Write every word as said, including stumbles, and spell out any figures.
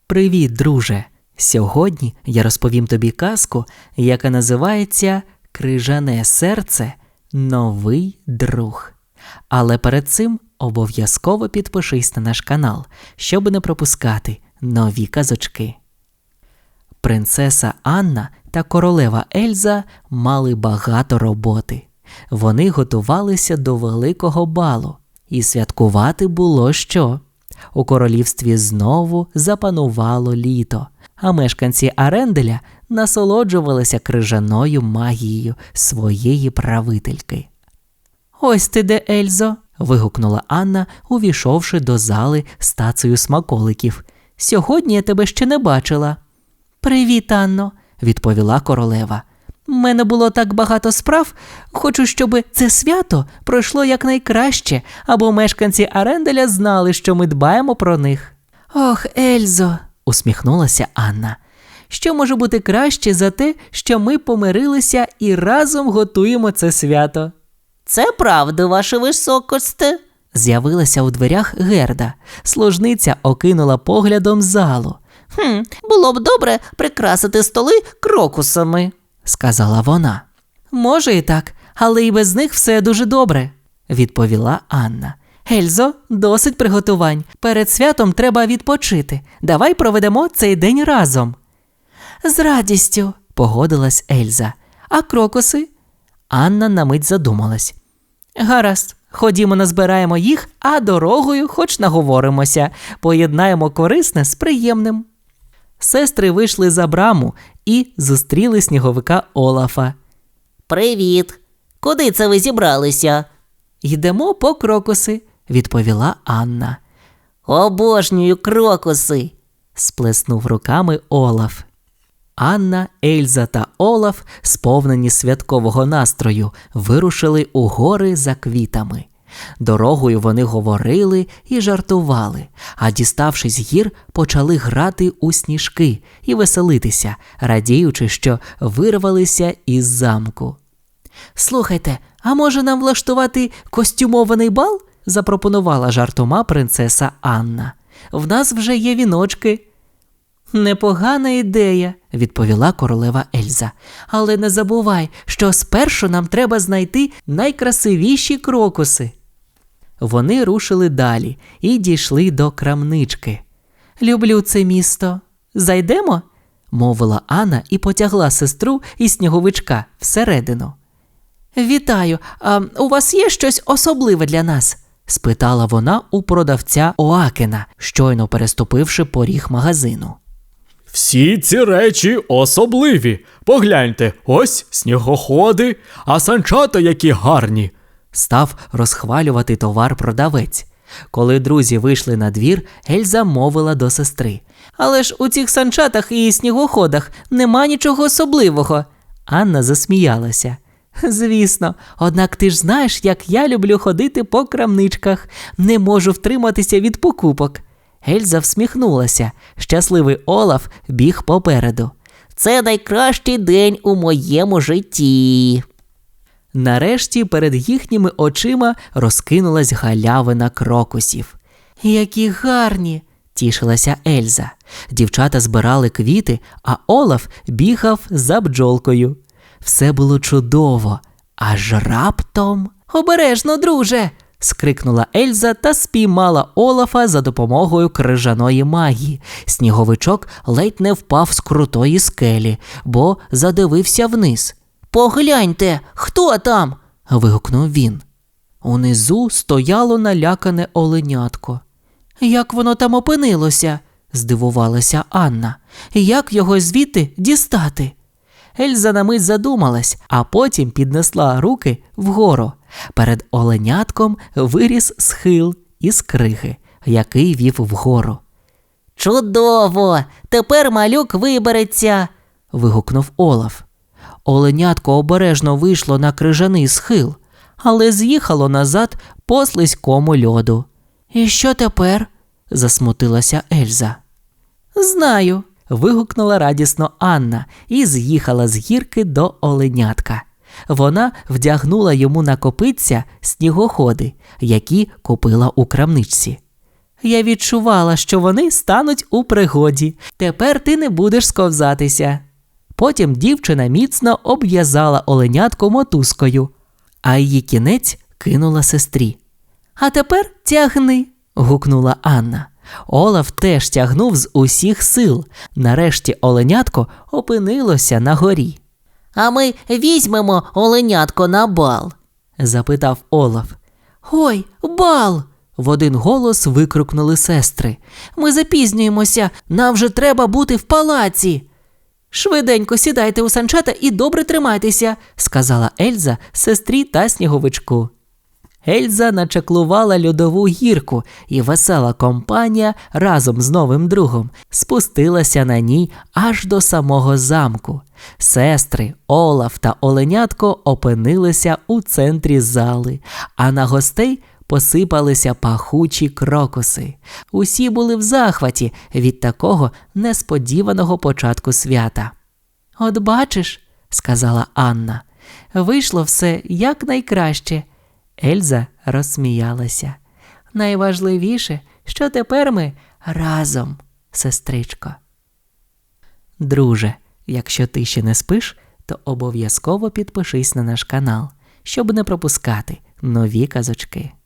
Привіт, друже! Сьогодні я розповім тобі казку, яка називається «Крижане серце. Новий друг». Але перед цим обов'язково підпишись на наш канал, щоб не пропускати нові казочки. Принцеса Анна та королева Ельза мали багато роботи. Вони готувалися до великого балу, і святкувати було що. У королівстві знову запанувало літо, а мешканці Аренделя насолоджувалися крижаною магією своєї правительки. «Ось ти де, Ельзо!» – вигукнула Анна, увійшовши до зали з тацею смаколиків. «Сьогодні я тебе ще не бачила». «Привіт, Анно!» – відповіла королева. «У мене було так багато справ. Хочу, щоб це свято пройшло якнайкраще, або мешканці Аренделя знали, що ми дбаємо про них». «Ох, Ельзо!» – усміхнулася Анна. «Що може бути краще за те, що ми помирилися і разом готуємо це свято?» «Це правда, ваше високосте!» З'явилася у дверях Герда. Служниця окинула поглядом залу. «Хм, було б добре прикрасити столи крокусами», – сказала вона. «Може і так, але і без них все дуже добре», – відповіла Анна. «Ельзо, досить приготувань. Перед святом треба відпочити. Давай проведемо цей день разом». «З радістю», – погодилась Ельза. «А крокуси?» Анна на мить задумалась. «Гаразд, ходімо назбираємо їх, а дорогою хоч наговоримося. Поєднаємо корисне з приємним». Сестри вийшли за браму і зустріли сніговика Олафа. «Привіт! Куди це ви зібралися?» «Йдемо по крокуси», – відповіла Анна. «Обожнюю крокуси!» – сплеснув руками Олаф. Анна, Ельза та Олаф, сповнені святкового настрою, вирушили у гори за квітами. Дорогою вони говорили і жартували, а діставшись гір, почали грати у сніжки і веселитися, радіючи, що вирвалися із замку. «Слухайте, а може нам влаштувати костюмований бал?» – запропонувала жартома принцеса Анна. «В нас вже є віночки». «Непогана ідея», – відповіла королева Ельза. «Але не забувай, що спершу нам треба знайти найкрасивіші крокуси». Вони рушили далі і дійшли до крамнички. «Люблю це місто. Зайдемо?» – мовила Анна і потягла сестру і сніговичка всередину. «Вітаю, а у вас є щось особливе для нас?» – спитала вона у продавця Оакена, щойно переступивши поріг магазину. «Всі ці речі особливі. Погляньте, ось снігоходи, а санчата які гарні!» Став розхвалювати товар продавець. Коли друзі вийшли на двір, Ельза мовила до сестри. «Але ж у цих санчатах і снігоходах нема нічого особливого». Анна засміялася. «Звісно, однак ти ж знаєш, як я люблю ходити по крамничках. Не можу втриматися від покупок». Ельза всміхнулася. Щасливий Олаф біг попереду. «Це найкращий день у моєму житті». Нарешті перед їхніми очима розкинулась галявина крокусів. «Які гарні!» – тішилася Ельза. Дівчата збирали квіти, а Олаф бігав за бджолкою. Все було чудово, аж раптом… «Обережно, друже!» – скрикнула Ельза та спіймала Олафа за допомогою крижаної магії. Сніговичок ледь не впав з крутої скелі, бо задивився вниз. «Погляньте, хто там?» – вигукнув він. Унизу стояло налякане оленятко. «Як воно там опинилося?» – здивувалася Анна. «Як його звідти дістати?» Ельза на мить задумалась, а потім піднесла руки вгору. Перед оленятком виріс схил із криги, який вів вгору. «Чудово! Тепер малюк вибереться!» – вигукнув Олаф. Оленятко обережно вийшло на крижаний схил, але з'їхало назад по слизькому льоду. «І що тепер?» – засмутилася Ельза. «Знаю!» – вигукнула радісно Анна і з'їхала з гірки до оленятка. Вона вдягнула йому на копитця снігоходи, які купила у крамничці. Я відчувала, що вони стануть у пригоді. Тепер ти не будеш сковзатися. Потім дівчина міцно обв'язала оленятко мотузкою, а її кінець кинула сестрі. «А тепер тягни», – гукнула Анна. Олаф теж тягнув з усіх сил. Нарешті оленятко опинилося на горі. А ми візьмемо оленятко на бал. Запитав Олаф. «Ой, бал!» – в один голос викрикнули сестри. «Ми запізнюємося, нам вже треба бути в палаці!» «Швиденько сідайте у санчата і добре тримайтеся», – сказала Ельза сестрі та сніговичку. Ельза начаклувала льодову гірку, і весела компанія разом з новим другом спустилася на ній аж до самого замку. Сестри, Олаф та оленятко опинилися у центрі зали, а на гостей посипалися пахучі крокуси. Усі були в захваті від такого несподіваного початку свята. «От бачиш», – сказала Анна, – «вийшло все якнайкраще». Ельза розсміялася. «Найважливіше, що тепер ми разом, сестричко». Друже, якщо ти ще не спиш, то обов'язково підпишись на наш канал, щоб не пропускати нові казочки.